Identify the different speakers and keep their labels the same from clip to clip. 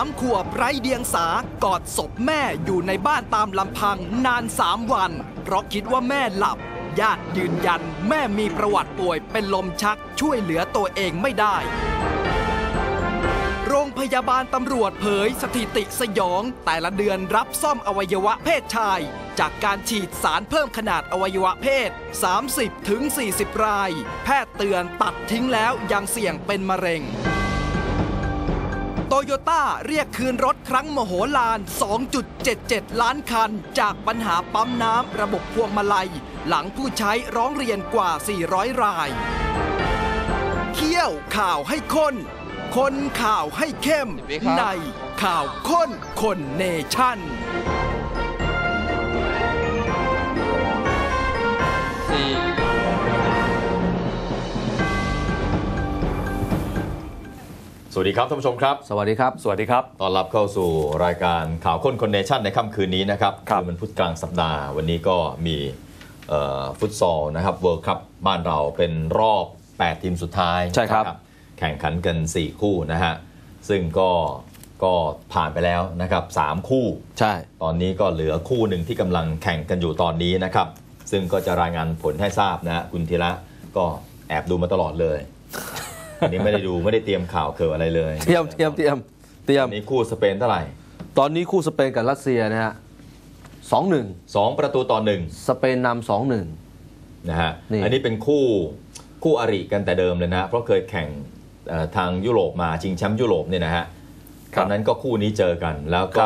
Speaker 1: 3 ขวบไร้เดียงสากอดศพแม่อยู่ในบ้านตามลำพังนาน3 วันเพราะคิดว่าแม่หลับญาติยืนยันแม่มีประวัติป่วยเป็นลมชักช่วยเหลือตัวเองไม่ได้โรงพยาบาลตำรวจเผยสถิติสยองแต่ละเดือนรับซ่อมอวัยวะเพศชายจากการฉีดสารเพิ่มขนาดอวัยวะเพศ 30-40 รายแพทย์เตือนตัดทิ้งแล้วยังเสี่ยงเป็นมะเร็งโตโยต้าเรียกคืนรถครั้งมโหฬาร 2.77 ล้านคันจากปัญหาปั๊มน้ำระบบพวงมาลัยหลังผู้ใช้ร้องเรียนกว่า 400 รายเคี่ยวข่าวให้ข้นคนข่าวให้เข้มในข่าวข้นคนเนชั่น
Speaker 2: สวัสดีครับท่านผู้ชมครับ
Speaker 3: สวัสดีครับ
Speaker 2: สวัสดีครับต้อนรับเข้าสู่รายการข่าวข้นคนเนชั่นในค่ำคืนนี้นะครับคือมันพุธกลางสัปดาห์วันนี้ก็มีฟุตซอลนะครับเวิลด์คัพบ้านเราเป็นรอบ8ทีมสุดท้าย
Speaker 3: ใช่ครับ
Speaker 2: แข่งขันกัน4คู่นะฮะซึ่งก็ผ่านไปแล้วนะครับ3คู่
Speaker 3: ใช่
Speaker 2: ตอนนี้ก็เหลือคู่หนึ่งที่กำลังแข่งกันอยู่ตอนนี้นะครับซึ่งก็จะรายงานผลให้ทราบนะฮะคุณธีระก็แอบดูมาตลอดเลยอันนี้ไม่ได้ดูไม่ได้เตรียมข่าวเกี่ยวอะไรเลย
Speaker 3: เตรียม
Speaker 2: นี้คู่สเปนเท่าไหร่
Speaker 3: ตอนนี้คู่สเปนกับรัสเซียนะฮะ 2-1
Speaker 2: 2-1
Speaker 3: สเปนนำ 2-1
Speaker 2: นะฮะอันนี้เป็นคู่อริกันแต่เดิมเลยนะเพราะเคยแข่งทางยุโรปมาชิงแชมป์ยุโรปเนี่ยนะฮะตอนนั้นก็คู่นี้เจอกันแล้วก็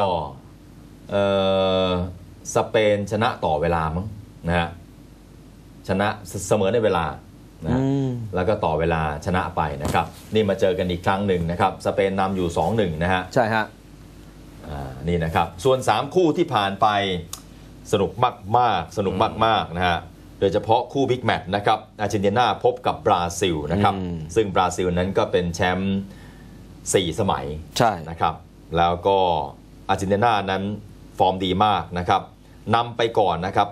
Speaker 2: สเปนชนะต่อเวลามั้งนะฮะชนะเสมอในเวลานะแล้วก็ต่อเวลาชนะไปนะครับนี่มาเจอกันอีกครั้งหนึ่งนะครับสเปนนำอยู่ 2-1 นะฮะ
Speaker 3: ใช่ฮะ
Speaker 2: นี่นะครับส่วน3คู่ที่ผ่านไปสนุกมากๆนะฮะโดยเฉพาะคู่บิ๊กแมตช์นะครับอาร์เจนตินาพบกับบราซิลนะครับซึ่งบราซิลนั้นก็เป็นแชมป์4 สมัย
Speaker 3: ใช่
Speaker 2: นะครับแล้วก็อาร์เจนตินานั้นฟอร์มดีมากนะครับนำไปก่อนนะครับ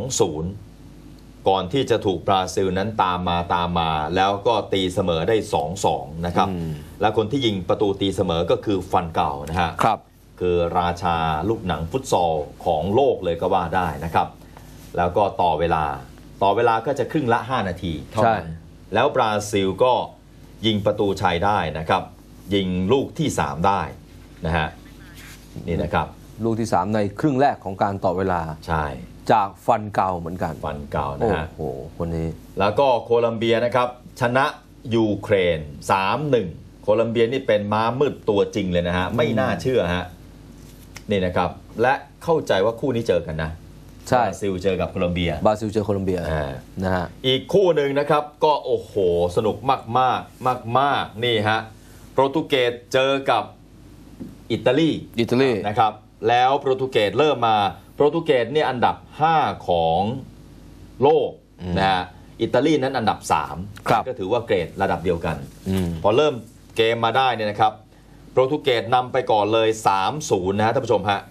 Speaker 2: 2-0 ก่อนที่จะถูกบราซิลนั้นตามมาแล้วก็ตีเสมอได้ 2-2 นะครับและคนที่ยิงประตูตีเสมอก็คือฟันเก่านะฮะคือราชาลูกหนังฟุตซอลของโลกเลยก็ว่าได้นะครับแล้วก็ต่อเวลาก็จะครึ่งละ5 นาทีเท่านั้นแล้วบราซิลก็ยิงประตูชัยได้นะครับยิงลูกที่3ได้นะฮะนี่นะครับ
Speaker 3: ลูกที่3ในครึ่งแรกของการต่อเวลา
Speaker 2: ใช่
Speaker 3: จากฟันเก่าเหมือนกัน
Speaker 2: ฟันเก่านะฮะ
Speaker 3: โอ้โหคนนี้
Speaker 2: แล้วก็โคลัมเบียนะครับชนะยูเครน 3-1 โคลัมเบียนี่เป็นม้ามืดตัวจริงเลยนะฮะไม่น่าเชื่อฮะนี่นะครับและเข้าใจว่าคู่นี้เจอกันนะบราซิลเจอกับโคลัมเบีย
Speaker 3: บราซิลเจอโคลัมเบียนะฮะ
Speaker 2: อีกคู่หนึ่งนะครับก็โอ้โหสนุกมากนี่ฮะโปรตุเกสเจอกับอิตาลีนะครับแล้วโปรตุเกสเริ่มมาโปรตุเกสเนี่ยอันดับ5ของโลกนะฮะอิตาลีนั้นอันดับ3ก็ถือว่าเกรดระดับเดียวกันพอเริ่มเกมมาได้เนี่ยนะครับโปรตุเกสนำไปก่อนเลย 3-0 นะฮะท่านผู้ชมฮะ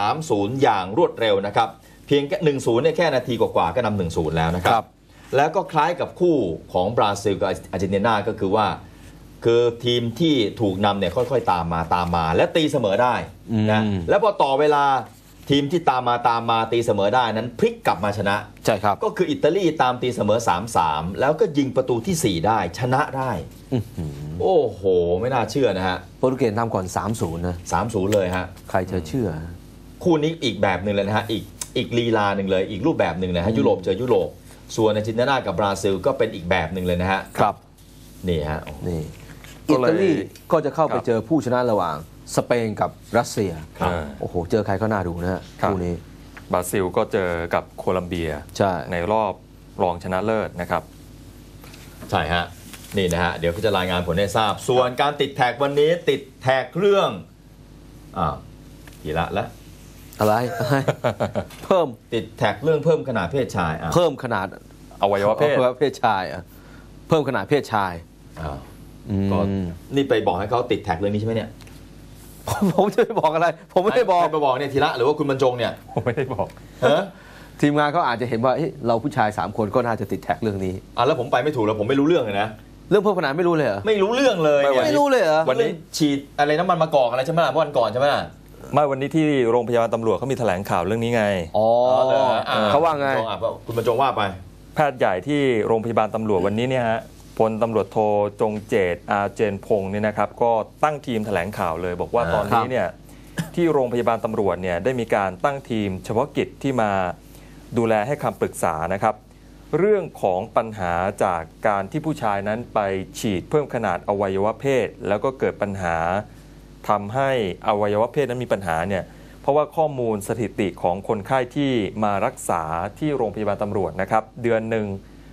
Speaker 2: 3-0 อย่างรวดเร็วนะครับเพียงแค่ 1-0 เนี่ยแค่นาทีกว่าๆก็นำ 1-0 แล้วนะครับแล้วก็คล้ายกับคู่ของบราซิลกับอาร์เจนตินาก็คือว่าคือทีมที่ถูกนำเนี่ยค่อยๆตามมาและตีเสมอได้นะแล้วพอต่อเวลาทีมที่ตามมาตีเสมอได้นั้นพลิกกลับมาชนะ
Speaker 3: ใช่ครับ
Speaker 2: ก็คืออิตาลีตามตีเสมอ 3-3 แล้วก็ยิงประตูที่4ได้ชนะได้โอ้โหไม่น่าเชื่อนะฮะ
Speaker 3: โปรตุเกสทำก่อน 3-0 นะ
Speaker 2: 3-0 เลยฮะ
Speaker 3: ใครจะเชื่อ
Speaker 2: คู่นี้อีกแบบหนึ่งเลยนะฮะอีกลีลาหนึ่งเลยอีกรูปแบบหนึ่งนะฮะยุโรปเจอยุโรปส่วนอาร์เจนตินากับบราซิลก็เป็นอีกแบบหนึ่งเลยนะฮะ
Speaker 3: ครับ
Speaker 2: นี่ฮะ
Speaker 3: นี่อิตาลีก็จะเข้าไปเจอผู้ชนะระหว่างสเปนกับรัสเซียโอ้โหเจอใครก็น่าดูนะฮะคู่นี้
Speaker 4: บราซิลก็เจอกับโคลัมเบียในรอบรองชนะเลิศนะครับ
Speaker 2: ใช่ฮะนี่นะฮะเดี๋ยวก็จะรายงานผลให้ทราบส่วนการติดแท็กวันนี้ติดแท็กเรื่องกี่ละ
Speaker 3: อะไรเพิ่ม
Speaker 2: ติดแท็กเรื่องเพิ่มขนาดเพศชาย
Speaker 3: เพิ่มขนาด
Speaker 4: อวัยวะ
Speaker 3: เพศชายเพิ่มขนาดเพศชาย
Speaker 2: ก็นี่ไปบอกให้เขาติดแท็กเรื่องนี้ใช่ไหมเนี่ย
Speaker 3: ผมจะไปบอกอะไรผมไม่ได้บอก
Speaker 2: ไปบอกเนี่ยธีระหรือว่าคุณบรรจงเนี่ย
Speaker 4: ผมไม่ได้บอก
Speaker 3: ทีมงานเขาอาจจะเห็นว่าเราผู้ชาย3 คนก็น่าจะติดแท็กเรื่องนี้
Speaker 2: แล้วผมไปไม่ถูกแล้วผมไม่รู้เรื่องเลยนะ
Speaker 3: เรื่องเพิ่มขนาดไม่รู้เลยเหรอ
Speaker 2: ไม่รู้เรื่องเลย
Speaker 3: ไม่รู้เลยเหรอ
Speaker 2: วันนี้ฉีดอะไรน้ำมันมะกอกอะไรใช่ไหมล่ะวันก่อนใช่ไหมล่ะ
Speaker 4: ไม่วันนี้ที่โรงพยาบาลตำรวจเขามีแถลงข่าวเรื่องนี้ไง
Speaker 3: อ๋อเขาว่าไง
Speaker 2: คุณบรรจงว่าไป
Speaker 4: แพทย์ใหญ่ที่โรงพยาบาลตำรวจวันนี้เนี่ยฮะพลตำรวจโทจงเจตอาเจนพงศ์เนี่ยนะครับก็ตั้งทีมแถลงข่าวเลยบอกว่าตอนนี้เนี่ยที่โรงพยาบาลตำรวจเนี่ยได้มีการตั้งทีมเฉพาะกิจที่มาดูแลให้คำปรึกษานะครับเรื่องของปัญหาจากการที่ผู้ชายนั้นไปฉีดเพิ่มขนาดอวัยวะเพศแล้วก็เกิดปัญหาทำให้อวัยวะเพศนั้นมีปัญหาเนี่ยเพราะว่าข้อมูลสถิติของคนไข้ที่มารักษาที่โรงพยาบาลตำรวจนะครับเดือนหนึ่ง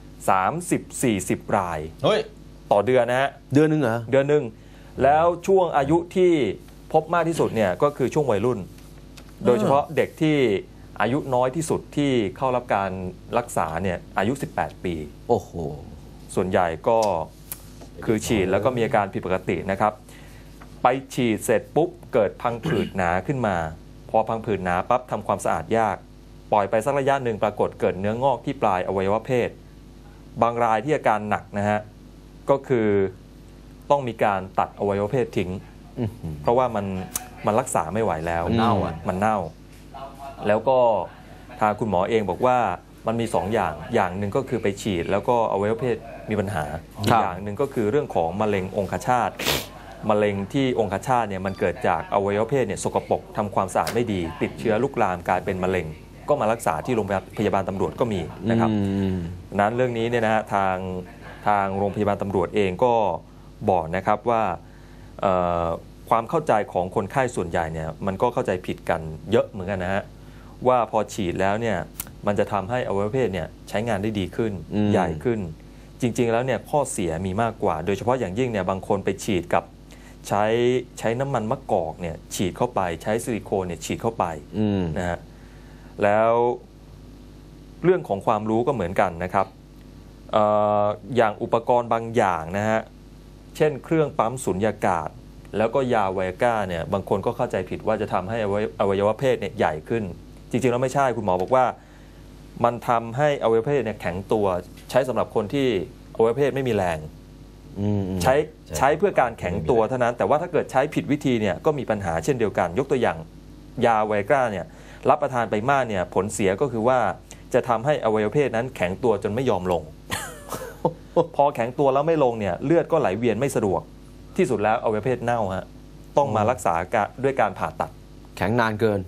Speaker 4: 30-40 รายต่อเดือนนะฮะ
Speaker 3: เดือนหนึ่งเหรอ
Speaker 4: เดือนหนึ่งแล้วช่วงอายุที่พบมากที่สุดเนี่ยก็คือช่วงวัยรุ่นโดยเฉพาะเด็กที่อายุน้อยที่สุดที่เข้ารับการรักษาเนี่ยอายุ18 ปี
Speaker 3: โอ้โห
Speaker 4: ส่วนใหญ่ก็คือฉีดแล้วก็มีอาการผิดปกตินะครับไปฉีดเสร็จปุ๊บเกิดพังผืดหนาขึ้นมาพอพังผืดหนาปั๊บทำความสะอาดยากปล่อยไปสักระยะหนึ่งปรากฏเกิดเนื้องอกที่ปลายอวัยวะเพศบางรายที่อาการหนักนะฮะก็คือต้องมีการตัดอวัยวะเพศทิ้งเพราะว่ามันรักษาไม่ไหวแล้วมันเน่าแล้วก็ทางคุณหมอเองบอกว่ามันมี2อย่างหนึ่งก็คือไปฉีดแล้วก็อวัยวะเพศมีปัญหาอีกอย่างหนึ่งก็คือเรื่องของมะเร็งองคชาตมะเร็งที่องคชาตเนี่ยมันเกิดจากอวัยวะเพศเนี่ยสกปรกทำความสะอาดไม่ดีติดเชื้อลุกลามกลายเป็นมะเร็งก็มารักษาที่โรงพยาบาลตำรวจก็มีนะครับนั้นเรื่องนี้เนี่ยนะฮะทางโรงพยาบาลตำรวจเองก็บอกนะครับว่าความเข้าใจของคนไข้ส่วนใหญ่เนี่ยมันก็เข้าใจผิดกันเยอะเหมือนกันนะฮะว่าพอฉีดแล้วเนี่ยมันจะทำให้อวัยวะเพศเนี่ยใช้งานได้ดีขึ้นใหญ่ขึ้นจริงๆแล้วเนี่ยข้อเสียมีมากกว่าโดยเฉพาะอย่างยิ่งเนี่ยบางคนไปฉีดกับใช้น้ำมันมะกอกเนี่ยฉีดเข้าไปใช้ซิลิโคนเนี่ยฉีดเข้าไปนะฮะแล้วเรื่องของความรู้ก็เหมือนกันนะครับอย่างอุปกรณ์บางอย่างนะฮะเช่นเครื่องปั๊มสุญญากาศแล้วก็ยาไวอาก้าเนี่ยบางคนก็เข้าใจผิดว่าจะทำให้อวัยวะเพศเนี่ยใหญ่ขึ้นจริงๆแล้วไม่ใช่คุณหมอบอกว่ามันทำให้อวัยวะเพศเนี่ยแข็งตัวใช้สำหรับคนที่อวัยวะเพศไม่มีแรงใช้เพื่อการแข็งตัวเท่านั้นแต่ว่าถ้าเกิดใช้ผิดวิธีเนี่ยก็มีปัญหาเช่นเดียวกันยกตัวอย่างยาไวอาก้าเนี่ยรับประทานไปมากเนี่ยผลเสียก็คือว่าจะทำให้อวัยวะเพศนั้นแข็งตัวจนไม่ยอมลง พอแข็งตัวแล้วไม่ลงเนี่ยเลือดก็ไหลเวียนไม่สะดวกที่สุดแล้วอวัยวะเพศเน่าฮะต้องมารักษาด้วยการผ่าตัด
Speaker 3: แข็งนานเกิน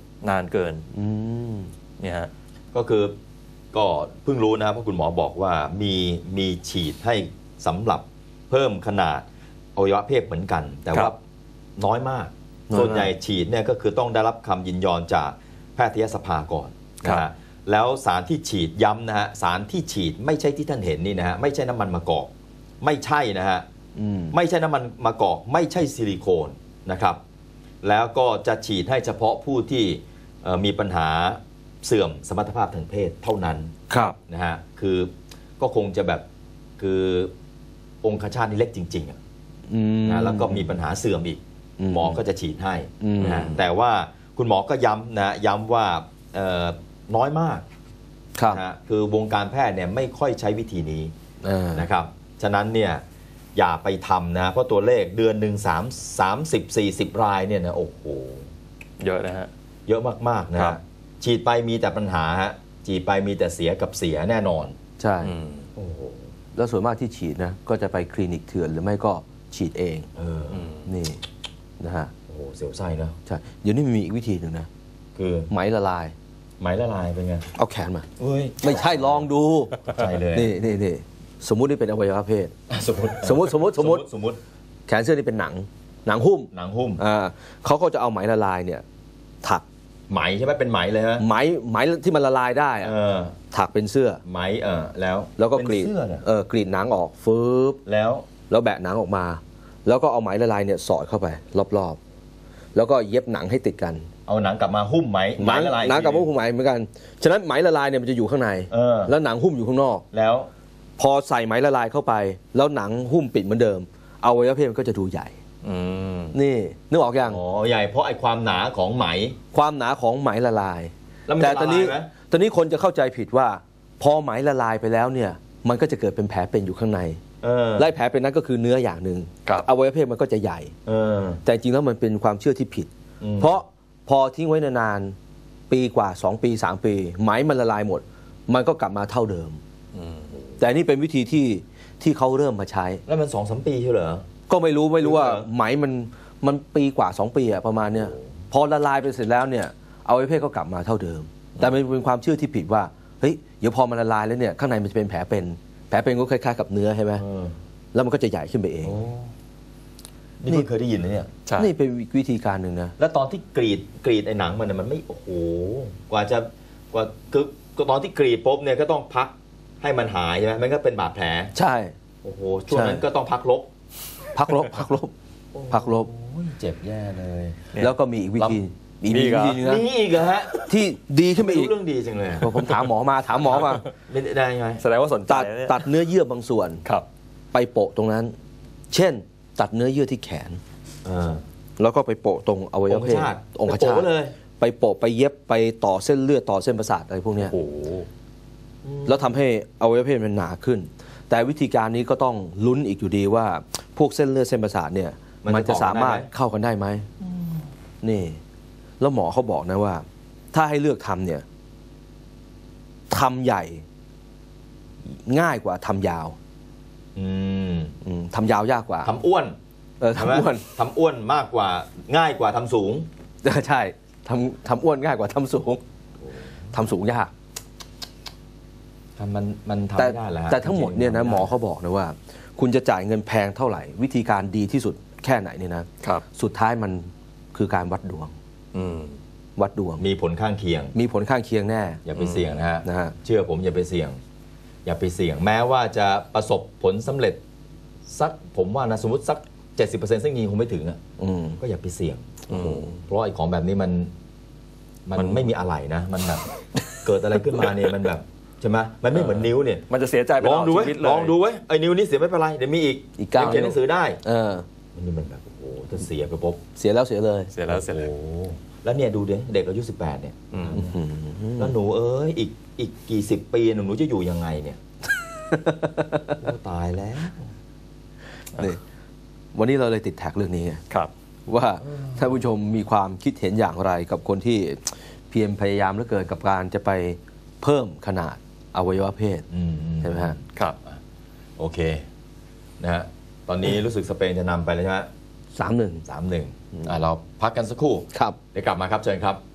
Speaker 4: เนี่ยฮะ
Speaker 2: ก็คือก็เพิ่งรู้นะครับเพราะคุณหมอบอกว่ามีฉีดให้สำหรับเพิ่มขนาดอวัยวะเพศเหมือนกันแต่ว่าน้อยมากส่วนใหญ่ฉีดเนี่ยก็คือต้องได้รับคำยินยอมจากแพทยสภาก่อนนะฮะแล้วสารที่ฉีดย้ำนะฮะสารที่ฉีดไม่ใช่ที่ท่านเห็นนี่นะฮะไม่ใช่น้ำมันมะกอกไม่ใช่นะฮะไม่ใช่น้ำมันมะกอกไม่ใช่ซิลิโคนนะครับแล้วก็จะฉีดให้เฉพาะผู้ที่มีปัญหาเสื่อมสมรรถภาพทางเพศเท่านั้นนะฮะคือก็คงจะแบบคือองคชาตนี่เล็กจริงๆนะแล้วก็มีปัญหาเสื่อมอีกหมอก็จะฉีดให้นะแต่ว่าคุณหมอก็ย้ำว่าน้อยมากนะคือวงการแพทย์เนี่ยไม่ค่อยใช้วิธีนี้นะครับฉะนั้นเนี่ยอย่าไปทำนะเพราะตัวเลขเดือนหนึ่ง30-40 รายเนี่ยนะโอ้โห
Speaker 4: เยอะนะฮะ
Speaker 2: เยอะมากๆนะฉีดไปมีแต่ปัญหาฮะฉีดไปมีแต่เสียกับเสียแน่นอน
Speaker 3: ใช่โอ้โหแล้วส่วนมากที่ฉีดนะก็จะไปคลินิกเถื่อนหรือไม่ก็ฉีดเองนี่นะฮะ
Speaker 2: โอ้โหเสียวไส้นะ
Speaker 3: ใช่เดี๋ยวนี้มีอีกวิธีหนึ่งนะคือไหมละลาย
Speaker 2: เป็นไง
Speaker 3: เอาแขนมาไม่ใช่ลองดู
Speaker 2: ใช่เลย
Speaker 3: นี่สมมุตินี่เป็นอวัยวะเพศสมมติแขนเสื้อนี่เป็นหนังหุ้มเขาก็จะเอาไหมละลายเนี่ยถัก
Speaker 2: ไหมใช่ไหมเป็นไหมเลยฮะ
Speaker 3: ไหมที่มันละลายได้ถักเป็นเสื้อ
Speaker 2: ไหมแล้ว
Speaker 3: ก็กรีดหนังออกฟืบแล้วแบะหนังออกมาแล้วก็เอาไหมละลายเนี่ยสอดเข้าไปรอบๆแล้วก็เย็บหนังให้ติดกัน
Speaker 2: เอาหนังกลับมาหุ้มไหม
Speaker 3: ละลายหนังกลับมาหุ้มไหมเหมือนกันฉะนั้นไหมละลายเนี่ยมันจะอยู่ข้างในแล้วหนังหุ้มอยู่ข้างนอก
Speaker 2: แล้ว
Speaker 3: พอใส่ไหมละลายเข้าไปแล้วหนังหุ้มปิดเหมือนเดิมอวัยวะเพศมันก็จะดูใหญ่นี่นึกออกยัง
Speaker 2: ใหญ่เพราะไอ้ความหนาของไหม
Speaker 3: ละลายแต่ตอนนี้คนจะเข้าใจผิดว่าพอไหมละลายไปแล้วเนี่ยมันก็จะเกิดเป็นแผลเป็นอยู่ข้างในไล่แผลเป็นนั้นก็คือเนื้ออย่างหนึ่งอวัยวะเพศมันก็จะใหญ่แต่จริงแล้วมันเป็นความเชื่อที่ผิดเพราะพอทิ้งไว้นานๆปีกว่า2 ปี 3 ปีไหมมันละลายหมดมันก็กลับมาเท่าเดิมแต่นี่เป็นวิธีที่เขาเริ่มมาใช้
Speaker 2: แล้วมัน2-3 ปีใช่เหรอ
Speaker 3: ก็ไม่รู้ว่าไหมมันปีกว่า2 ปีอะประมาณเนี้ยพอละลายไปเสร็จแล้วเนี่ยอวัยวะเพศก็กลับมาเท่าเดิมแต่มันเป็นความเชื่อที่ผิดว่าเฮ้ยเดี๋ยวพอมันละลายแล้วเนี่ยข้างในมันจะเป็นแผลเป็นก็คล้ายๆกับเนื้อใช่ไหมแล้วมันก็จะใหญ่ขึ้นไปเอง
Speaker 2: นี่เคยได้ยินนะเนี่ย
Speaker 3: นี่เป็นวิธีการหนึ่งนะ
Speaker 2: แล้วตอนที่กรีดไอ้หนังมันไม่โอ้โหกว่าคือตอนที่กรีดปุ๊บเนี่ยก็ต้องพักให้มันหายใช่ไหมมันก็เป็นบาดแผล
Speaker 3: ใช่
Speaker 2: โอ้โหช่วงนั้นก็ต้องพักลบเจ็บแย่เลย
Speaker 3: แล้วก็มีอีกวิธี
Speaker 2: มีอีกเหรอฮะ
Speaker 3: ที่ดีขึ้นไปอีก
Speaker 2: เรื่องดีจังเลย
Speaker 3: ผมถามหมอมา
Speaker 2: ได้ไง
Speaker 4: แสดงว่าสนใจ
Speaker 3: ตัดเนื้อเยื่อบางส่วนไปโปะตรงนั้นเช่นตัดเนื้อเยื่อที่แขนแล้วก็ไปโปะตรงอวัยวะเพศองคชาตไปโปะไปเย็บไปต่อเส้นเลือดต่อเส้นประสาทอะไรพวกนี้แล้วทำให้อวัยวะเพศมันหนาขึ้นแต่วิธีการนี้ก็ต้องลุ้นอีกอยู่ดีว่าพวกเส้นเลือดเส้นประสาทเนี่ยมันจะสามารถเข้ากันได้ไหมนี่แล้วหมอเขาบอกนะว่าถ้าให้เลือกทำเนี่ยทำใหญ่ง่ายกว่าทำยาวทำยาวยากกว่า
Speaker 2: ทำอ้วน
Speaker 3: ทำ
Speaker 2: อ้วนมากกว่าง่ายกว่าทำสูง
Speaker 3: ใช่ทำอ้วนง่ายกว่าทำสูงยาก
Speaker 2: มันทำไม่ได้แล้ว
Speaker 3: แต่ทั้งหมดเนี่ยนะหมอเขาบอกนะว่าคุณจะจ่ายเงินแพงเท่าไหร่วิธีการดีที่สุดแค่ไหนเนี่ยนะสุดท้ายมันคือการวัดดวง
Speaker 2: มีผลข้างเคียง
Speaker 3: แน่
Speaker 2: อย่าไปเสี่ยงนะฮะเชื่อผมอย่าไปเสี่ยงแม้ว่าจะประสบผลสำเร็จสักผมว่านะสมมติสัก 70% ซึ่งยิงคงไม่ถึงก็อย่าไปเสี่ยงเพราะไอ้ของแบบนี้มันไม่มีอะไรนะมันแบบเกิดอะไรขึ้นมาเนี่ยมันแบบใช่ไหมมันไม่เหมือนนิ้วเนี่ย
Speaker 4: มันจะเสียใจไปลอง
Speaker 2: ดูไว้ไอ้นิ้วนี้เสียไม่เป็นไรเดี๋ยวมีอีก
Speaker 3: 9
Speaker 2: เขียนหนังสือได้มันแบบโอ้โหจะเสียไปปุ๊บ
Speaker 3: เสียแล้วเสียเลย
Speaker 2: แล้วเนี่ยดูดิเด็กอายุ18เนี่ยแล้วหนูอีกกี่10 ปีหนูจะอยู่ยังไงเนี่ยตายแล้ว
Speaker 3: นี่วันนี้เราเลยติดแท็กเรื่องนี้
Speaker 4: ครับ
Speaker 3: ว่าท่านผู้ชมมีความคิดเห็นอย่างไรกับคนที่เพียรพยายามเหลือเกินกับการจะไปเพิ่มขนาดอวัยวะเพศใช่ไหมฮะ
Speaker 2: ครับโอเคนะฮะตอนนี้รู้สึกสเปนจะนำไปแล้วใช่ไหม
Speaker 3: 3-1
Speaker 2: เราพักกันสักครู่
Speaker 3: ครับ
Speaker 2: เดี๋ยวกลับมาครับเชิญครับ